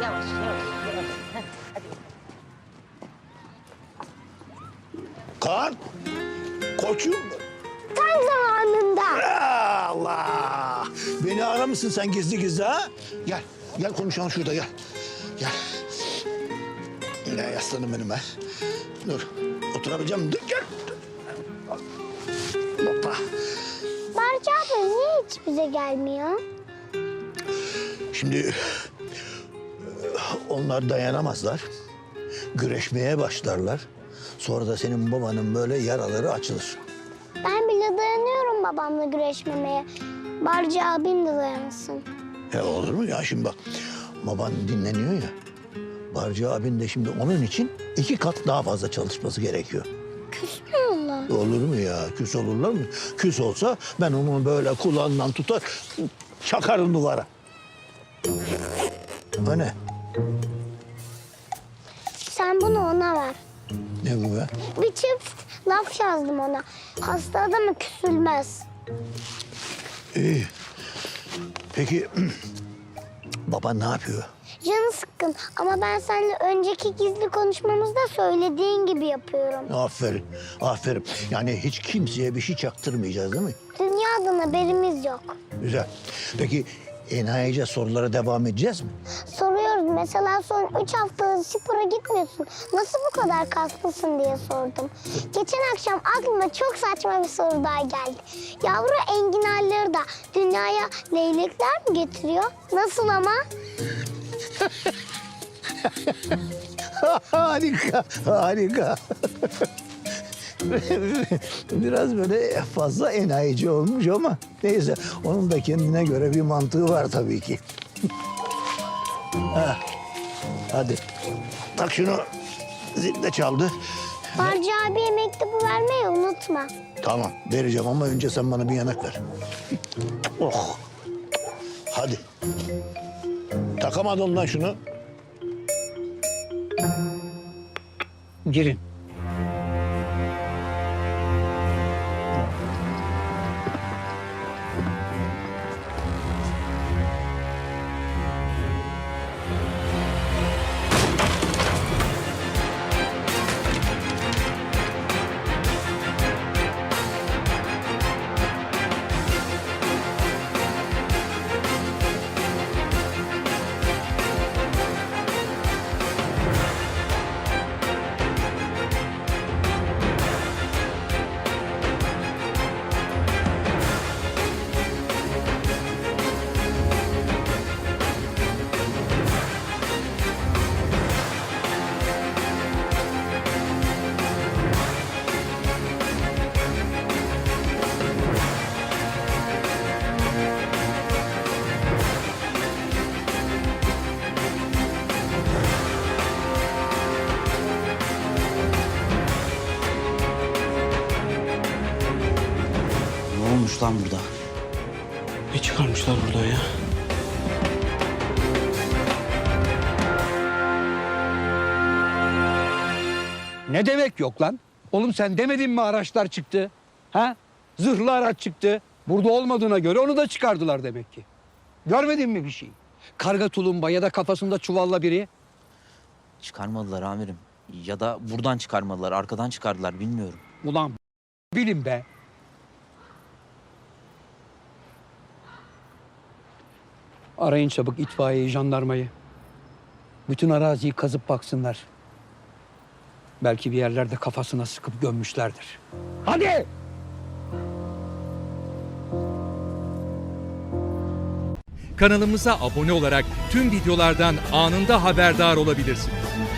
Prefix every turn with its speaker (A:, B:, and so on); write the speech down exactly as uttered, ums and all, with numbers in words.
A: yavaş yavaş. yavaş. Heh, hadi.
B: Kaan, koçum.
C: Tam zamanında.
B: Allah! Beni aramışsın sen gizli gizli ha? Gel, gel konuşalım şurada gel. Gel. Ne yaslanın benim be. Dur, oturabileceğim. Dur, gel. Hoppa.
C: Barca abi niye hiç bize gelmiyor?
B: Şimdi onlar dayanamazlar. Güreşmeye başlarlar. Sonra da senin babanın böyle yaraları açılır.
C: Ben bile dayanıyorum babamla güreşmemeye. Barca abim de dayansın.
B: Ya olur mu ya şimdi bak. Baban dinleniyor ya. Barcı abin de şimdi onun için iki kat daha fazla çalışması gerekiyor.
C: Küs mü onlar?
B: Olur mu ya? Küs olurlar mı? Küs olsa ben onu böyle kulağından tutar, çakarım duvara. O ne?
C: Sen bunu ona ver.
B: Ne bu be?
C: Bir çift laf yazdım ona. Hasta adamı küsülmez.
B: İyi. Peki baban ne yapıyor?
C: Canı sıkkın ama ben seninle önceki gizli konuşmamızda söylediğin gibi yapıyorum.
B: Aferin, aferin. Yani hiç kimseye bir şey çaktırmayacağız değil mi?
C: Dünyadan haberimiz yok.
B: Güzel. Peki enayice sorulara devam edeceğiz mi?
C: Soruyoruz mesela son üç haftadır spora gitmiyorsun. Nasıl bu kadar kaslısın diye sordum. Geçen akşam aklıma çok saçma bir soru daha geldi. Yavru enginarları da dünyaya leylekler mi getiriyor? Nasıl ama?
B: Harika, harika. Biraz böyle fazla enayici olmuş ama neyse onun da kendine göre bir mantığı var tabii ki. Ha, hadi tak şunu, zil de çaldı.
C: Barca abiye mektubu vermeyi unutma.
B: Tamam vereceğim ama önce sen bana bir yanak ver. Oh. Hadi. Takamadın lan şunu.
D: Girin.
E: Ne olmuş lan burada?
D: Ne çıkarmışlar buradan ya? Ne demek yok lan? Oğlum sen demedin mi araçlar çıktı? Ha? Zırhlı araç çıktı. Burada olmadığına göre onu da çıkardılar demek ki. Görmedin mi bir şey? Karga tulumba ya da kafasında çuvalla biri.
E: Çıkarmadılar amirim. Ya da buradan çıkarmadılar, arkadan çıkardılar bilmiyorum.
D: Ulan bilin be. Arayın çabuk itfaiyeyi, jandarmayı. Bütün araziyi kazıp baksınlar. Belki bir yerlerde kafasına sıkıp gömmüşlerdir. Hadi!
F: Kanalımıza abone olarak tüm videolardan anında haberdar olabilirsiniz.